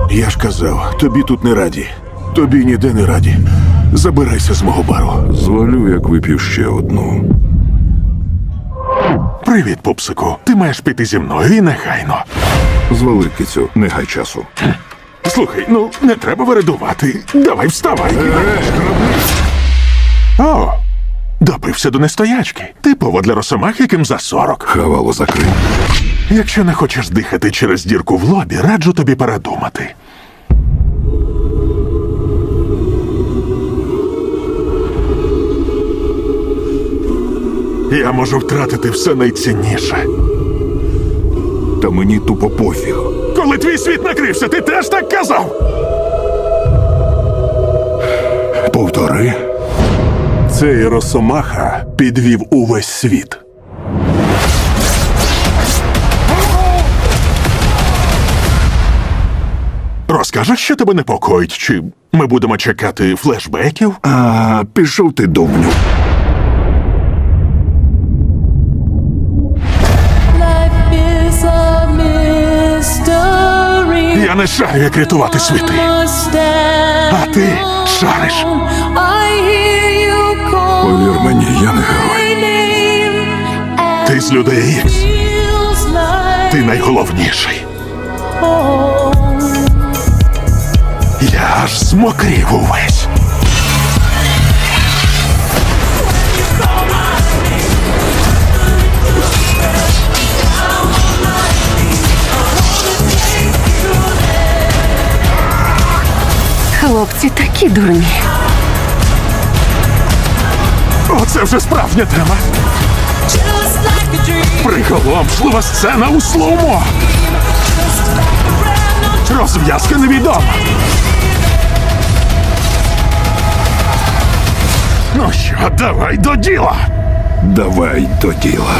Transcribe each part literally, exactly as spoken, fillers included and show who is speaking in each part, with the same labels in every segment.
Speaker 1: Я ж казав, тобі тут не раді. Тобі ніде не раді. Забирайся з мого бару.
Speaker 2: Звалю, як вип'ю ще одну.
Speaker 1: Привіт, пупсику. Ти маєш піти зі мною і нехайно.
Speaker 2: Звали, кицю, не гай часу.
Speaker 1: Слухай, ну не треба вередувати. Давай вставай. О, допився до нестоячки. Типово для росомах, яким за сорок.
Speaker 2: Хавало закрий.
Speaker 1: Якщо не хочеш дихати через дірку в лобі, раджу тобі передумати. Я можу втратити все найцінніше.
Speaker 2: Та мені тупо пофіг.
Speaker 1: Коли твій світ накрився, ти теж так казав?
Speaker 2: Повтори.
Speaker 1: Цей росомаха підвів увесь світ. Розкажеш, що тебе непокоїть, чи ми будемо чекати флешбеків?
Speaker 2: А, пішов ти, довбню.
Speaker 3: Life is a mystery.
Speaker 1: Я не шарю, як рятувати світи.
Speaker 3: А
Speaker 1: ти шариш.
Speaker 2: Повір мені, я не герой.
Speaker 1: Ти з людей Ікс. Ти найголовніший. Я аж змокрів увесь.
Speaker 4: Хлопці такі дурні.
Speaker 1: Оце вже справжня тема. Приголомшлива сцена у слоумо. Розв'язка невідома. Ну що, давай до діла.
Speaker 2: Давай до діла.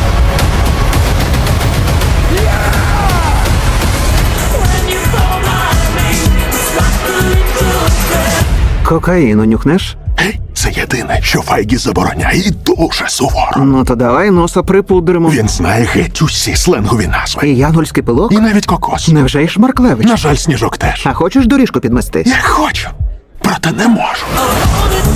Speaker 5: Кокаїну нюхнеш?
Speaker 1: Гей, це єдине, що Файгі забороняє і дуже суворо.
Speaker 5: Ну то давай носа припудримо.
Speaker 1: Він знає геть усі сленгові назви.
Speaker 5: І янгольський пилок?
Speaker 1: І навіть кокос.
Speaker 5: Невже й Шмарклевич?
Speaker 1: На жаль, Сніжок теж.
Speaker 5: А хочеш доріжку підмести?
Speaker 1: Я хочу, проте не можу.